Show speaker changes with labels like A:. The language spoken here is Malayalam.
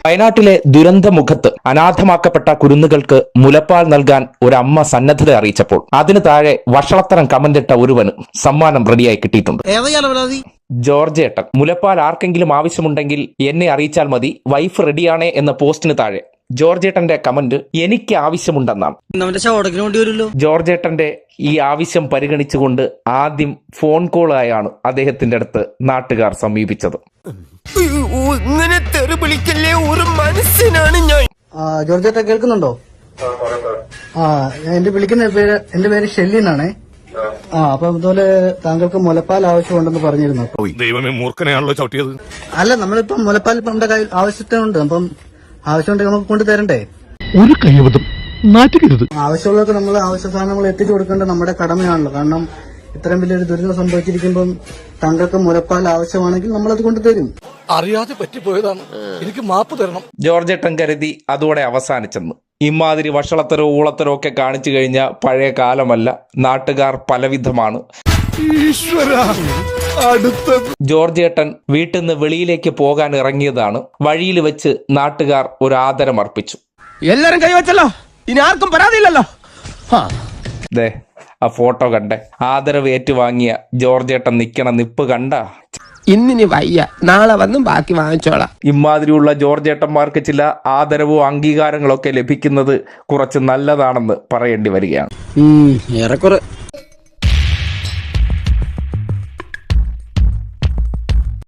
A: വയനാട്ടിലെ ദുരന്തമുഖത്ത് അനാഥമാക്കപ്പെട്ട കുരുന്നുകൾക്ക് മുലപ്പാൽ നൽകാൻ ഒരമ്മ സന്നദ്ധത അറിയിച്ചപ്പോൾ അതിന് താഴെ വഷളത്തരം കമന്റിട്ട ഒരുവന് സമ്മാനം റെഡിയായി കിട്ടിയിട്ടുണ്ട്. ജോർജേട്ടൻ, മുലപ്പാൽ ആർക്കെങ്കിലും ആവശ്യമുണ്ടെങ്കിൽ എന്നെ അറിയിച്ചാൽ മതി, വൈഫ് റെഡിയാണേ എന്ന പോസ്റ്റിന് താഴെ ജോർജേട്ടന്റെ കമന്റ് എനിക്ക് ആവശ്യമുണ്ടെന്നാണ്. ജോർജേട്ടന്റെ ഈ ആവശ്യം പരിഗണിച്ചുകൊണ്ട് ആദ്യം ഫോൺ കോളായാണ് അദ്ദേഹത്തിന്റെ അടുത്ത് നാട്ടുകാർ സമീപിച്ചത്.
B: ജോർജേട്ട കേൾക്കുന്നുണ്ടോ? എന്റെ പേര് ഷെല്ലി എന്നാണേ. അപ്പൊ അതുപോലെ താങ്കൾക്ക് മുലപ്പാൽ ആവശ്യമുണ്ടെന്ന് പറഞ്ഞിരുന്നു.
C: ദൈവമേ, മൂർഖനെയാണല്ലോ ചവിട്ടിയത്.
B: അല്ല, നമ്മളിപ്പം മുലപ്പാൽ നമ്മുടെ കയ്യിൽ ആവശ്യത്തിനുണ്ട്. അപ്പം ആവശ്യമുണ്ടെങ്കിൽ നമുക്ക് കൊണ്ടുതരണ്ടേ?
D: ഒരു കൈവതം നാറ്റുകരുത്.
B: ആവശ്യമുള്ളവർക്ക് നമ്മൾ ആവശ്യ സാധനങ്ങൾ എത്തിച്ചു കൊടുക്കേണ്ട നമ്മുടെ കടമയാണല്ലോ. കാരണം ഇത്രയും വലിയൊരു ദുരിതം സംഭവിച്ചിരിക്കുമ്പം താങ്കൾക്ക് മുലപ്പാൽ ആവശ്യമാണെങ്കിൽ നമ്മളത് കൊണ്ടുതരും.
D: അറിയാതെ പറ്റിപ്പോയതാണ്, എനിക്ക് മാപ്പ് തരണം.
A: ജോർജേട്ടൻ കരുതി അതോടെ അവസാനിച്ചെന്ന്. ഇമാതിരി വഷളത്തരോ ഊളത്തരോ ഒക്കെ കാണിച്ചു കഴിഞ്ഞ പഴയ കാലമല്ല, നാട്ടുകാർ പലവിധമാണ്. ജോർജേട്ടൻ വീട്ടിൽ നിന്ന് വെളിയിലേക്ക് പോകാൻ ഇറങ്ങിയതാണ്. വഴിയിൽ വെച്ച് നാട്ടുകാർ ഒരു ആദരം അർപ്പിച്ചു.
D: എല്ലാരും കൈവച്ചല്ലോ, ഇനി ആർക്കും പരാതിയില്ലല്ലോ.
A: ദേ ആ ഫോട്ടോ കണ്ടേ, ആദരവ് ഏറ്റുവാങ്ങിയ ജോർജേട്ടൻ നിക്കണ നിപ്പ് കണ്ട.
E: ഇന്നിനി വയ്യ, നാളെ വന്നും ബാക്കി വാങ്ങിച്ചോളാം.
A: ഇമാതിരിയുള്ള ജോർജേട്ടന്മാർക്ക് ചില ആദരവോ അംഗീകാരങ്ങളൊക്കെ ലഭിക്കുന്നത് കുറച്ച് നല്ലതാണെന്ന് പറയേണ്ടി വരികയാണ്.
E: ഏറെക്കുറെ